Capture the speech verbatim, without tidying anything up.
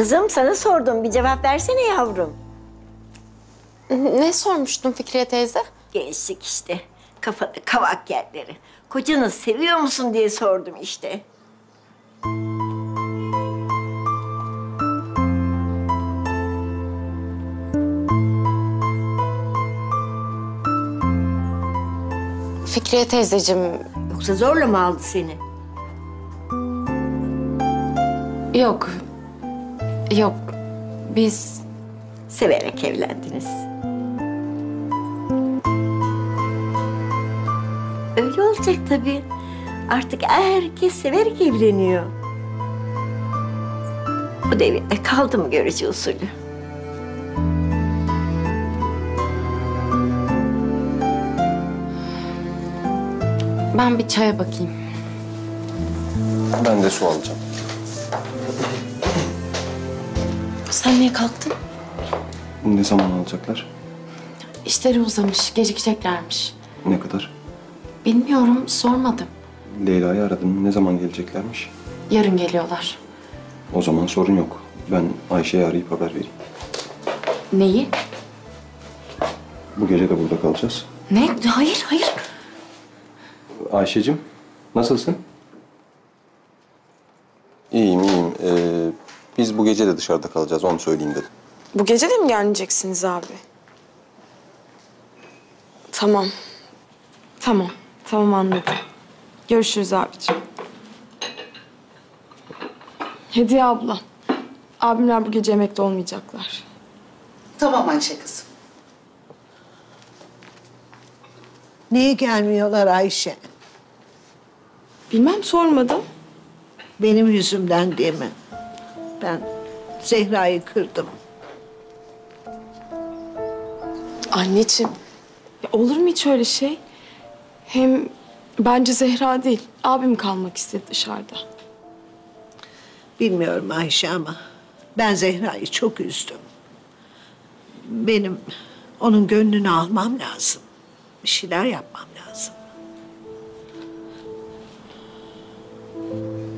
Kızım sana sordum. Bir cevap versene yavrum. Ne sormuştun Fikriye teyze? Gençlik işte. Kafada kavak yerleri. Kocanı seviyor musun diye sordum işte. Fikriye teyzeciğim, Yoksa zorla mı aldı seni? yok. Yok, biz... Severek evlendiniz. Öyle olacak tabii. Artık herkes severek evleniyor. Bu devirde kaldı mı görücü usulü? Ben bir çaya bakayım. Ben de su alacağım. Sen niye kalktın? Ne zaman alacaklar? İşleri uzamış, gecikeceklermiş. Ne kadar? Bilmiyorum, sormadım. Leyla'yı aradım. Ne zaman geleceklermiş? Yarın geliyorlar. O zaman sorun yok. Ben Ayşe'yi arayıp haber vereyim. Neyi? Bu gece de burada kalacağız. Ne? Hayır, hayır. Ayşe'cim, nasılsın? İyiyim, iyiyim. Ee, biz bu gece de dışarıda kalacağız. Onu söyleyeyim dedim. Bu gece de mi gelmeyeceksiniz abi? Tamam. Tamam. Tamam anladım. Görüşürüz abicim. Hediye abla. Abimler bu gece yemekte olmayacaklar. Tamam Ayşe kızım. Niye gelmiyorlar Ayşe? Bilmem sormadım. Benim yüzümden değil mi? Ben Zehra'yı kırdım. Anneciğim. Ya olur mu hiç öyle şey? Hem bence Zehra değil. Abim kalmak istedi dışarıda. Bilmiyorum Ayşe ama ben Zehra'yı çok üzdüm. Benim onun gönlünü almam lazım. Bir şeyler yapmam lazım.